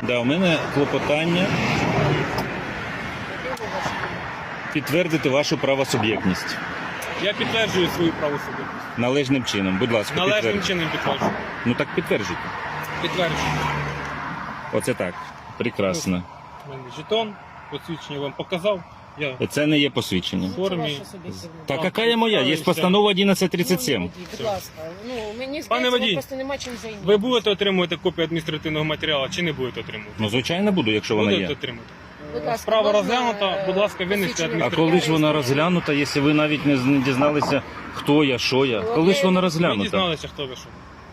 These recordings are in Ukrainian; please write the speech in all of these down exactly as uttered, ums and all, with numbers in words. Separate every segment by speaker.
Speaker 1: Да, у мене клопотання підтвердити вашу правосуб'єктність
Speaker 2: Я підтверджую свою правосуб'єктність.
Speaker 1: належним чином. Будь ласка,
Speaker 2: Належним
Speaker 1: підтвердіть.
Speaker 2: чином підтверджую.
Speaker 1: Ну так підтверджуйте.
Speaker 2: Підтверджую.
Speaker 1: Оце так. Прекрасно.
Speaker 2: У мене жетон, посвідчення вам показав. Я
Speaker 1: Це не є посвідчення.
Speaker 2: в формі.
Speaker 1: Та яка є моя? Є постанова одинадцять тридцять сім.
Speaker 3: Будь ласка, ну мені
Speaker 2: Пане
Speaker 3: здається,
Speaker 2: водій,
Speaker 3: вам просто нема чим зайнятися.
Speaker 2: Ви будете отримувати копію адміністративного матеріалу чи не будете отримувати?
Speaker 1: Ну, звичайно, буду, якщо вона
Speaker 2: Будете
Speaker 1: є.
Speaker 2: отримати.
Speaker 3: Будь ласка,
Speaker 2: Справа
Speaker 3: можна,
Speaker 2: розглянута, будь ласка, винести
Speaker 3: посвідчення
Speaker 1: А
Speaker 2: адміністративне.
Speaker 1: коли ж вона розглянута, якщо ви навіть не з- не дізналися, хто я, що я? Коли ж вона
Speaker 2: Ви
Speaker 1: розглянута?
Speaker 2: дізналися, хто ви що.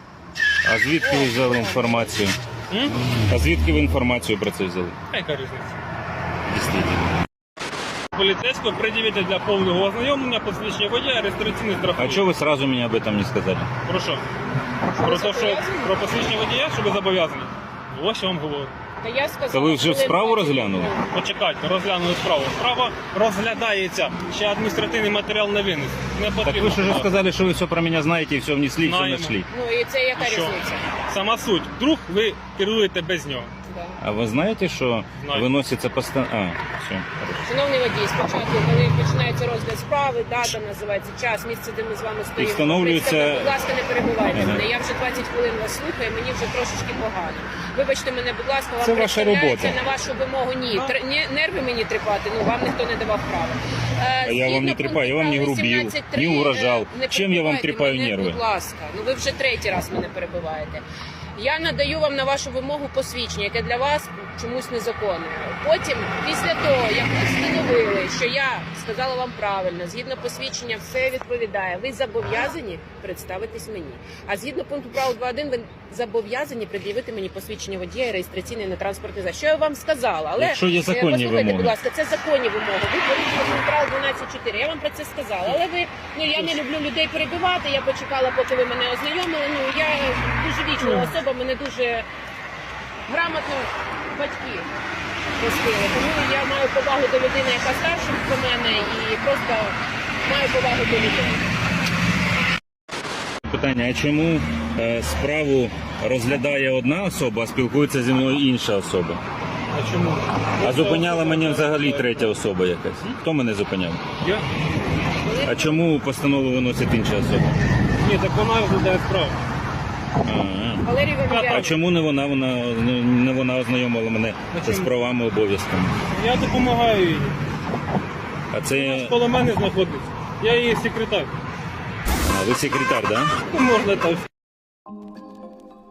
Speaker 1: А звідки ви взяли інформацію?
Speaker 2: М?
Speaker 1: А звідки ви інформацію про це взяли?
Speaker 2: А яка різниця?
Speaker 1: Дійсно.
Speaker 2: Поліцейського пред'явити для повного ознайомлення посвідчення водія, реєстраційний
Speaker 1: А
Speaker 2: страховий.
Speaker 1: чого ви сразу мені об этом не сказали?
Speaker 2: Про що? Про те, що про посвідчення водія, що ви зобов'язані? Ось я вам говорю.
Speaker 3: Та я сказала,
Speaker 1: Та ви вже
Speaker 3: хвилин
Speaker 1: справу
Speaker 3: двадцять
Speaker 1: розглянули?
Speaker 3: минут.
Speaker 2: Почекайте, розглянули справу. Справа розглядається, ще адміністративний матеріал не винес. Не
Speaker 1: Так
Speaker 2: потрібно.
Speaker 1: ви ж уже
Speaker 2: подавати.
Speaker 1: сказали, що ви все про мене знаєте і все внесли, і все
Speaker 2: Знаємо.
Speaker 1: знайшли.
Speaker 3: Ну і це яка
Speaker 2: Що?
Speaker 3: різниця?
Speaker 2: Сама суть. Вдруг ви керуєте без нього.
Speaker 3: Да.
Speaker 1: А ви знаєте, що
Speaker 2: Знаю.
Speaker 1: виноситься постанова? А, все.
Speaker 3: Шановний водій, спочатку, коли починається розгляд справи, дата називається, час, місце, де ми з вами стоїмо.
Speaker 1: встановлюється-
Speaker 3: Ви, будь ласка, не перебувайте
Speaker 1: Ага.
Speaker 3: мене. Я вже двадцять хвилин вас слухаю, мені вже трошечки погано. Вибачте мене, будь ласка, вам
Speaker 1: Це ваша
Speaker 3: представляється
Speaker 1: робота.
Speaker 3: на вашу вимогу. Ні, Тр- ні, нерви мені тріпати, ну вам ніхто не давав права. Е,
Speaker 1: А я вам не
Speaker 3: згідно
Speaker 1: тріпаю, я вам не
Speaker 3: пункту
Speaker 1: грубів,
Speaker 3: вісімнадцять три,
Speaker 1: не угрожав.
Speaker 3: е, не
Speaker 1: Чим я вам
Speaker 3: перебивайте
Speaker 1: тріпаю
Speaker 3: мене,
Speaker 1: нерви?
Speaker 3: Будь ласка, ну ви вже третій раз мене перебиваєте. Я надаю вам на вашу вимогу посвідчення, яке для вас чомусь незаконне. Потім, після того, як ви встановили, що я сказала вам правильно, згідно посвідчення все відповідає, ви зобов'язані представитись мені. А згідно пункту правил два один, ви зобов'язані пред'явити мені посвідчення водія і реєстраційний на транспортний засіб. Що я вам сказала? Але
Speaker 1: Якщо є
Speaker 3: е,
Speaker 1: законні
Speaker 3: послухайте,
Speaker 1: вимоги.
Speaker 3: будь ласка, це законні вимоги. Ви порушили пункт правил дванадцять чотири. Я вам про це сказала. Але ви, ну я не люблю людей перебивати. Я почекала, поки ви мене ознайомили. Ну я дуже вічлива особа, мене дуже грамотно батьки ростили. Тому я маю повагу до людини, яка старша про мене, і просто маю повагу до людей.
Speaker 1: Питання, а чому е, справу розглядає одна особа, а спілкується зі мною інша особа?
Speaker 2: А чому?
Speaker 1: А зупиняла мене взагалі третя особа якась. Хто мене зупиняв?
Speaker 2: Я?
Speaker 1: А чому постанову виносить інша особа?
Speaker 2: Ні, так вона розглядає справу.
Speaker 1: А,
Speaker 3: Валерій
Speaker 1: а
Speaker 3: Валерійович,
Speaker 1: чому не вона, вона не вона ознайомила мене з правами, обов'язками?
Speaker 2: Я допомагаю їй.
Speaker 1: А це
Speaker 2: Коло мене знаходиться. Я її секретар.
Speaker 1: а, ви секретар, так? Да?
Speaker 2: Ну, можна так.